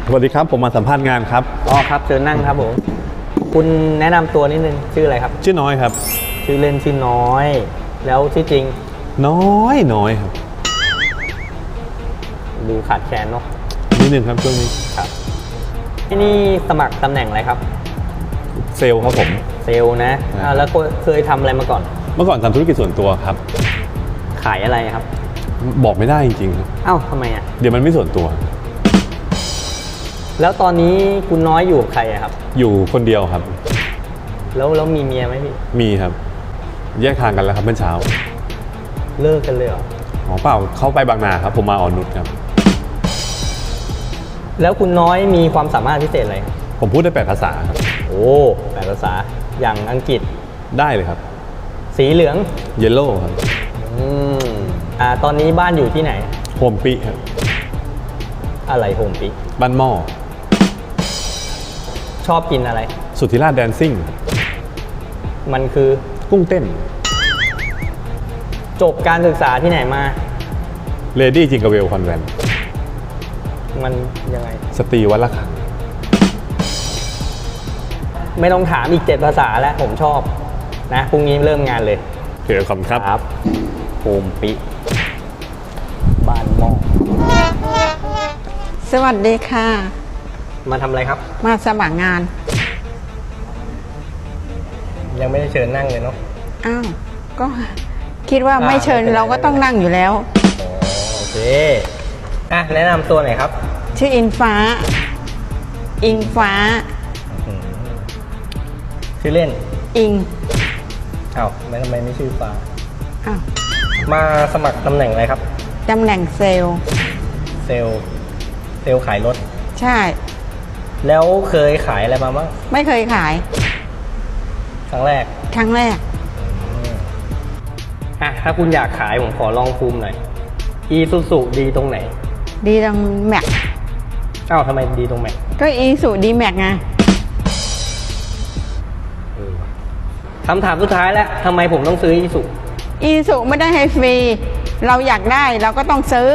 สวัสดีครับผมมาสัมภาษณ์งานครับอ๋อครับเชิญนั่งครับผมคุณแนะนำตัวนิดนึงชื่ออะไรครับชื่อน้อยครับชื่อเล่นชื่อน้อยแล้วชื่อจริงน้อยครับดูขาดแคลนเนาะนิดนึงครับช่วงนี้ครับที่นี่สมัครตำแหน่งอะไรครับเซลล์ครับผมเซลล์นะแล้วเคยทำอะไรมาก่อนเมื่อก่อนทำธุรกิจส่วนตัวครับขายอะไรครับบอกไม่ได้จริงๆครับอ้าวทำไมอ่ะเดี๋ยวมันไม่ส่วนตัวแล้วตอนนี้คุณน้อยอยู่กับใครครับอยู่คนเดียวครับแล้วมีเมียไหมพี่มีครับแยกทางกันแล้วครับเมื่อเช้าเลิกกันเลยเหรออ๋อเปล่าเข้าไปบางนาครับผมมาอ่อนนุชครับแล้วคุณน้อยมีความสามารถพิเศษอะไรผมพูดได้8 ภาษาครับโอ้8 ภาษาอย่างอังกฤษได้เลยครับสีเหลืองเยลโล่ครับตอนนี้บ้านอยู่ที่ไหนโฮมปีครับอะไรโฮมปีบ้านหม้อชอบกินอะไรสุทธิราชแดนซิ่งมันคือกุ้งเต้นจบการศึกษาที่ไหนมาเลดี้จิงเกอร์เวลคอนแวนต์มันยังไงสตรีวัดละคังไม่ต้องถามอีก7 ภาษาแล้วผมชอบนะพรุ่งนี้เริ่มงานเลยเดี๋ยวขอบคุณครับโฮมปิบ้านหม้อสวัสดีค่ะมาทำอะไรครับมาสมัครงานยังไม่ได้เชิญนั่งเลยเนาะอ้าวก็คิดว่าไม่เชิญเราก็ต้องนั่งอยู่แล้วโอเคแนะนำตัวหน่อยครับชื่ออิงฟ้าชื่อเล่นอิงอ้าวทำไมไม่ชื่อฟ้าอ้าวมาสมัครตำแหน่งอะไรครับตำแหน่งเซลล์ขายรถใช่แล้วเคยขายอะไรมาบ้างไม่เคยขายครั้งแรกถ้าคุณอยากขายผมขอลองภูมิหน่อยอีซูซูดีตรงไหนดีตรงแม็กทำไมดีตรงแม็กก็อีซูดีแม็กไงคำถามสุดท้ายแล้วทำไมผมต้องซื้ออีซูไม่ได้ให้ฟรีเราอยากได้เราก็ต้องซื้อ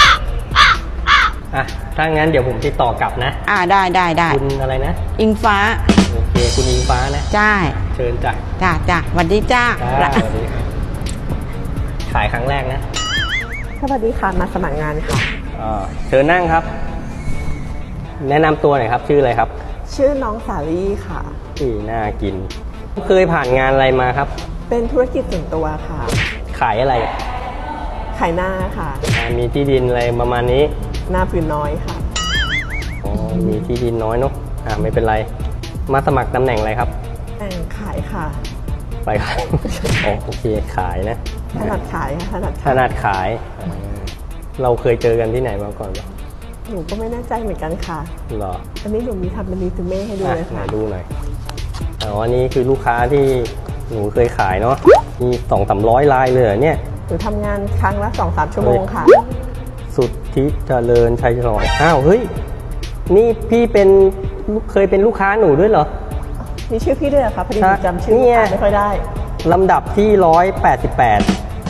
ถ้างั้นเดี๋ยวผมติดต่อกลับนะได้คุณอะไรนะอิงฟ้าโอเคคุณอิงฟ้านะใช่เชิญจ้ะสวัสดีจ้าสวัสดีขายครั้งแรกนะสวัสดีค่ะมาสมัครงานค่ะเชิญนั่งครับแนะนำตัวหน่อยครับชื่ออะไรครับชื่อน้องสาลี่ค่ะน่ากินเคยผ่านงานอะไรมาครับเป็นธุรกิจส่วนตัวค่ะขายอะไรขายหน้าค่ะมีที่ดินอะไรประมาณนี้หน้าพื้นน้อยค่ะมีที่ดินน้อยเนาะไม่เป็นไรมาสมัครตำแหน่งอะไรครับขายค่ะไปขายโอเคขายนะถนัดขายค่ะถนัดขายเราเคยเจอกันที่ไหนมาก่อนหนูก็ไม่แน่ใจเหมือนกันค่ะหรออันนี้หนูมีทำเป็นรีซูเม่ให้ดูเลยค่ะดูหน่อยอันนี้คือลูกค้าที่หนูเคยขายเนาะมี200-300 รายเลยเนี่ยหนูทำงานครั้งละ2-3 ชั่วโมงค่ะสุดที่เจริญชัยฉลองเฮ้ยนี่พี่เคยเป็นลูกค้าหนูด้วยเหรอมีชื่อพี่ด้วยเหรอคะพอดีจำชื่อไม่ค่อยได้ลำดับที่188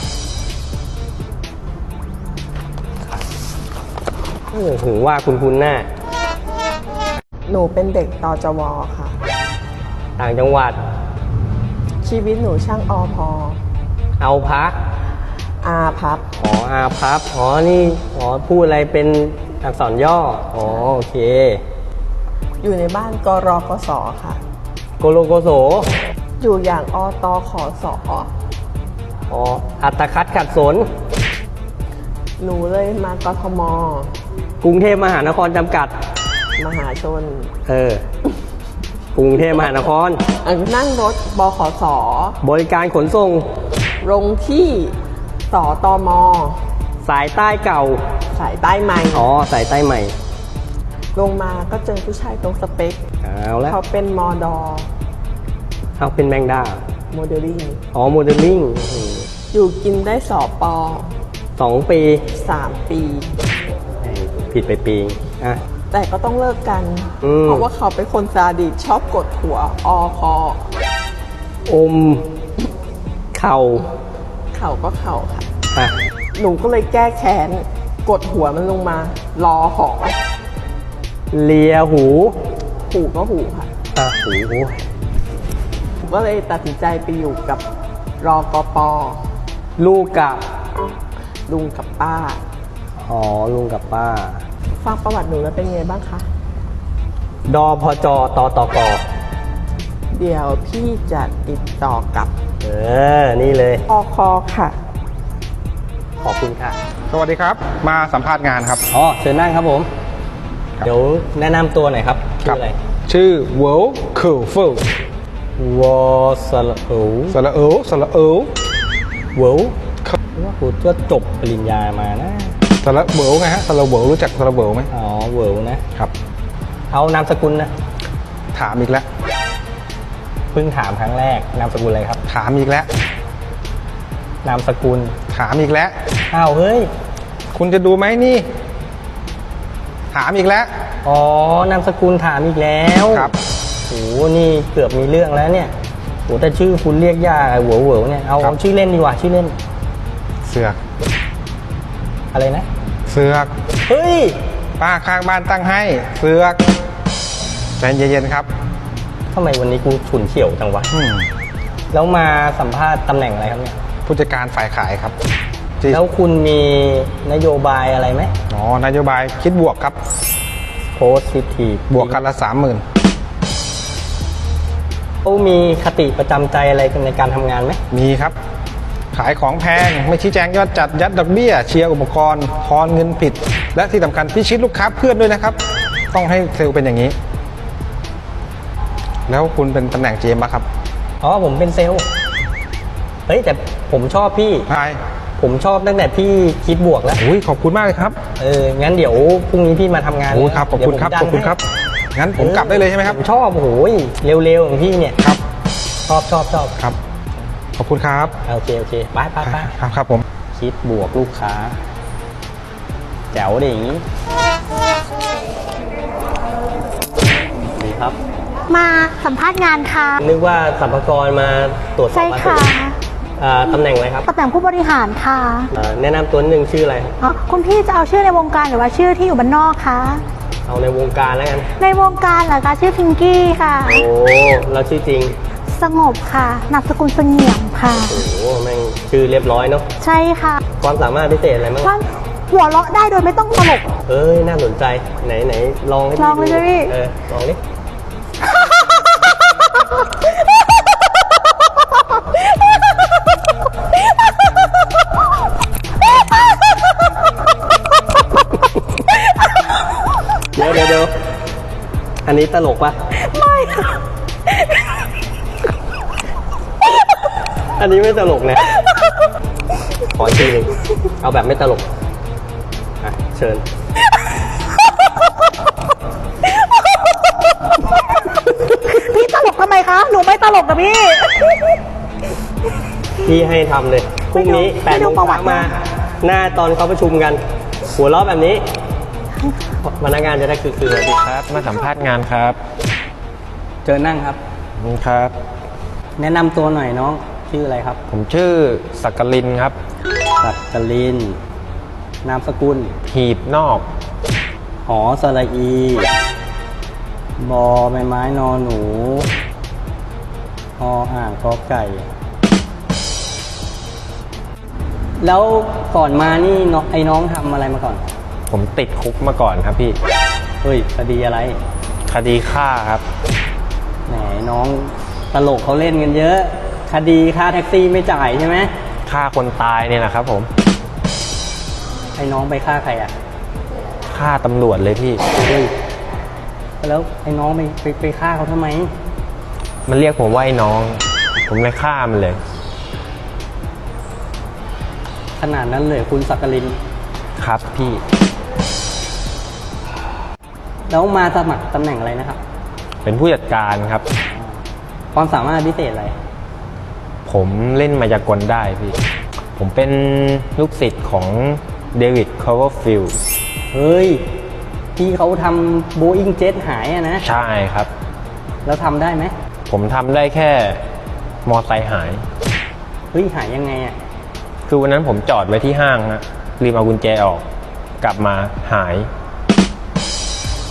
ถึงว่าคุณหน้าหนูเป็นเด็กตจว.ค่ะต่างจังหวัดชีวิตหนูช่างพอเอาพักอาพับอาพับนี่พูดอะไรเป็นอักษรย่อโอเคอยู่ในบ้านกรกสค่ะโกโลโกโสอยู่อย่างอตขสอัตคัดขัดสนหนูเลยมากทมกรุงเทพมหานครจำกัดมหาชนกรุงเทพมหานครนั่งรถบขสบริการขนส่งลงที่สตม. สายใต้เก่าสายใต้ใหม่สายใต้ใหม่ลงมาก็เจอผู้ชายตรงสเปคเขาเป็นมด. เขาเป็นแมงดาโมเดลลิ่งโมเดลลิ่งอยู่กินได้2 ป 2 ปี 3 ปีผิดไปปีแต่ก็ต้องเลิกกันเพราะว่าเขาเป็นคนซาดิสชอบกดหัวคอเข่าก็เข่าค่ะหนูก็เลยแก้แค้นกดหัวมันลงมารอหอเลียหูหูก็หูค่ะหูผมก็เลยตัดสินใจไปอยู่กับรกปลูกกับลุงกับป้าอ๋อลุงกับป้าฟังประวัติหนูแล้วเป็นไงบ้างคะดพจตตกเดี๋ยวพี่จะติดต่อกับนี่เลยอคค่ะขอบคุณค่ะสวัสดีครับ มาสัมภาษณ์งานครับอ๋อเชิญนั่งครับผม เดี๋ยวแนะนำตัวหน่อยครับชื่ออะไรชื่อเวลคิลฟิลวอสระเอวสระเอลสระเอลเวลว่ากูก็จบปริญญามานะสระเวลไงฮะสระเวลรู้จักสระเวลไหมอ๋อเวลนะครับเอานามสกุลนะถามอีกแล้วเพิ่งถามครั้งแรกนามสกุลอะไรครับถามอีกแล้วนามสกุลถามอีกแล้วอ้าวเฮ้ยคุณจะดูไหมนี่ ถามอีกแล้วอ๋อนามสกุลถามอีกแล้วครับโหนี่เกือบมีเรื่องแล้วเนี่ยโหแต่ชื่อคุณเรียกยากเหวอเหวเนี่ยเอาชื่อเล่นดีกว่าชื่อเล่นเสือกอะไรนะเสือกเฮ้ยป้าข้างบ้านตั้งให้ เสือกใจเย็นๆครับทำไมวันนี้กูฉุนเฉียวจังวะอืมแล้วมาสัมภาษณ์ตำแหน่งอะไรครับเนี่ยผู้จัดการฝ่ายขายครับที่แล้วคุณมีนโยบายอะไรไหมอ๋อนโยบายคิดบวกครับ positive บวกกันละ 30,000 เขามีคติประจำใจอะไรในการทำงานไหมมีครับ ขายของแพงไม่ชี้แจงยอดจัดยัดดอกเบี้ยเชียร์อุปกรณ์ทอนเงินผิด และที่สำคัญพิชิตลูกค้าเพื่อนด้วยนะครับ ต้องให้เซลล์เป็นอย่างนี้ แล้วคุณเป็นตำแหน่ง GM ป่ะครับอ๋อผมเป็นเซลล์เฮ้ยแต่ผมชอบพี่ใช่ผมชอบตั้งแต่พี่คิดบวกแล้วอุ้ยขอบคุณมากเลยครับงั้นเดี๋ยวพรุ่งนี้พี่มาทำงานโอ้ครับขอบคุณครับเดี๋ขยวอบผมคุณครับดันให้งั้นผมกลับได้เลยใช่ไหมครับผมชอบโอ้โหเร็วๆอย่างพี่เนี่ยครับชอบครับ ขอบคุณครับโอเคไปครับครับผมคิดบวกลูกค้าแจ๋วดิอย่างนี้ดีครับมาสัมภาษณ์งานค่ะนึกว่าสรรพากรมาตรวจสอบใช่ค่ะภาษีตำแหน่งอะไรครับตำแหน่งผู้บริหารค่ะแนะนำตัวหนึ่งชื่ออะไรครับอ๋อคุณพี่จะเอาชื่อในวงการหรือว่าชื่อที่อยู่บ้านนอกคะเอาในวงการแล้วกันในวงการเหรอคะชื่อพิงกี้ค่ะโอ้เราชื่อจริงสงบค่ะนามสกุลเสงี่ยมค่ะโอ้แม่งชื่อเรียบร้อยเนาะใช่ค่ะความสามารถพิเศษอะไรบ้างว่าหัวเราะได้โดยไม่ต้องตลกเอ้ยน่าสนใจไหนลองให้ลองเลยดูใช่ไหมพี่ลองดิเดี๋ยวอันนี้ตลกปะไม่ค่ะอันนี้ไม่ตลกนะขออีกทีหนึ่งเอาแบบไม่ตลกเชิญพี่ตลกทำไมคะ หนูไม่ตลกนะพี่พี่ให้ทำเลยพรุ่งนี้ไม่ 8 ดูโมงประวัเช้าติมา หน้าตอนเขาประชุมกัน หัวเราะแบบนี้พนักงานจะได้คือครับมาสัมภาษณ์งานครับเจอนั่งครับครับแนะนำตัวหน่อยน้องชื่ออะไรครับผมชื่อสักกลินครับสักกลิน นามสกุลหีบนอกหอสระอี บอใบไม้นอหนูออ่างกอไก่ แล้วก่อนมานี่น้องทำอะไรมาก่อนผมติดคุกมาก่อนครับพี่เฮ้ยคดีอะไรคดีฆ่าครับแหมน้องตลกเขาเล่นกันเยอะ คดีค่าแท็กซี่ไม่จ่ายใช่ไหมฆ่าคนตายเนี่ยนะครับผมไอ้น้องไปฆ่าใครอ่ะฆ่าตำรวจเลยพี่เฮ้ยแล้วไอ้น้องไปฆ่าเขาทำไมมันเรียกผมว่าไอ้น้อง ผมเลยฆ่ามันเลยขนาดนั้นเลยคุณสักกลินครับพี่แล้วมาสมัครตำแหน่งอะไรนะครับเป็นผู้จัดการครับความสามารถพิเศษอะไรผมเล่นมายากลได้พี่ ผมเป็นลูกศิษย์ของเดวิดคอเวอร์ฟิลด์เฮ้ย ที่เขาทำโบอิงเจ็ตหายอะนะใช่ครับแล้วทำได้ไหมผมทำได้แค่มอไซค์หายเฮ้ย หายยังไงอะคือวันนั้นผมจอดไว้ที่ห้างนะลืมเอากุญแจออก กลับมาหาย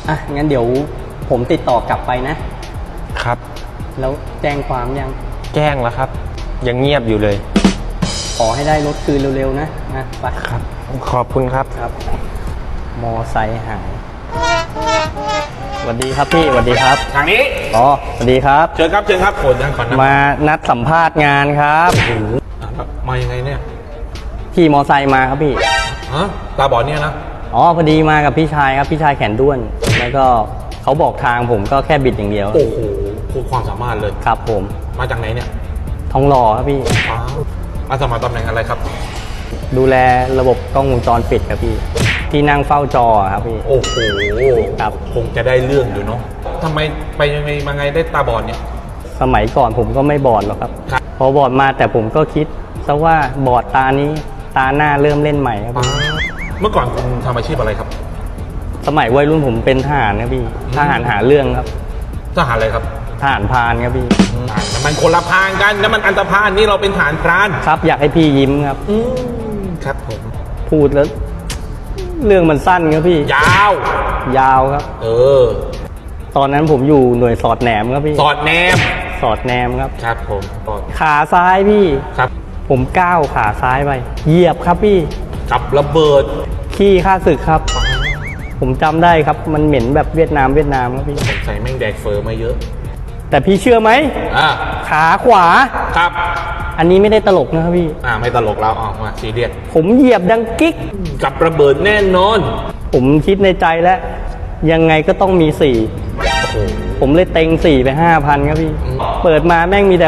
อ่ะ งั้นเดี๋ยวผมติดต่อกลับไปนะครับแล้วแจ้งความยังแจ้งแล้วครับ ยังเงียบอยู่เลยขอให้ได้รถคืนเร็วๆนะไปครับ ขอบคุณครับครับ มอไซค์หายสวัสดีครับพี่สวัสดีครับทางนี้อ๋อสวัสดีครับเชิญครับเชิญครับโอนยังก่อนนะมานัดสัมภาษณ์งานครับแล้วมายังไงเนี่ยขี่มอไซค์มาครับพี่ฮะตาบอดเนี่ยนะอ๋อพอดีมากับพี่ชายครับพี่ชายแขนด้วน แล้วก็เขาบอกทางผมก็แค่บิดอย่างเดียวโอ้โหโคตรความสามารถเลยครับผมมาจากไหนเนี่ยทองหล่อครับพี่ฟ้าวมาสมัครตำแหน่งอะไรครับดูแลระบบกล้องวงจรปิดครับพี่ ที่นั่งเฝ้าจอครับพี่โอ้โหครับคงจะได้เรื่องอยู่เนาะทำไมไปยังไงมาไงได้ตาบอดเนี่ยสมัยก่อนผมก็ไม่บอดหรอกครับครับพอบอดมาแต่ผมก็คิดซะว่าบอดตานี้ตาหน้าเริ่มเล่นใหม่ครับพี่เมื่อก่อนคุณทำอาชีพอะไรครับสมัยวัยรุ่นผมเป็นทหารครับพี่ ทหารหาเรื่องครับทหารอะไรครับทหารพรานครับพี่มันคนละพรานกันแล้วมันอันตรพานนี่เราเป็นทหารพรานครับอยากให้พี่ยิ้มครับครับผมพูดแล้ว เรื่องมันสั้นครับพี่ยาวยาวครับเออตอนนั้นผมอยู่หน่วยสอดแหนมครับพี่สอดแนมสอดแหนมครับครับผมสอดขาซ้ายพี่ครับผมก้าวขาซ้ายไป เหยียบครับพี่กับระเบิดขี้ข้าศึกครับ ผมจำได้ครับ มันเหม็นแบบเวียดนามครับพี่สงสัยแม่งแดกเฟอร์มาเยอะแต่พี่เชื่อไหมอ่าขาขวาครับอันนี้ไม่ได้ตลกนะครับพี่ไม่ตลกแล้วมาซีเรียสผมเหยียบดังกิ๊กกับระเบิดแน่นอนผมคิดในใจแล้ว ยังไงก็ต้องมีโอ้โห 4 ผมเลยเต็ง 4 ไป 5,000 ครับพี่อืมเปิดมาแม่งมีแต่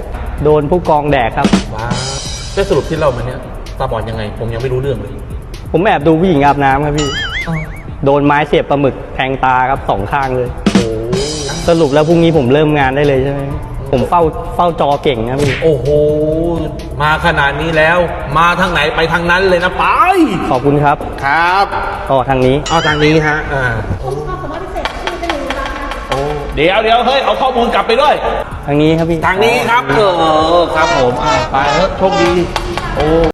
6 โดนผู้กองแดกครับว้าวได้สรุปที่เรามาเนี่ยตาบอดยังไง ผมยังไม่รู้เรื่องเลยผมแอบดูผู้หญิงอาบน้ำครับพี่ โดนไม้เสียบปลาหมึกแทงตาครับ2 ข้างเลยโอ้สรุปแล้วพรุ่งนี้ผมเริ่มงานได้เลยใช่ไหมผมเฝ้าจอเก่งนะพี่โอ้โห มาขนาดนี้แล้ว มาทางไหนไปทางนั้นเลยนะไปขอบคุณครับครับต่อทางนี้เอาทางนี้ฮะเดี๋ยวเฮ้ยเอาข้อมูลกลับไปด้วยทางนี้ครับพี่ทางนี้ครับครับผมไปเถอะโชคดีโอ้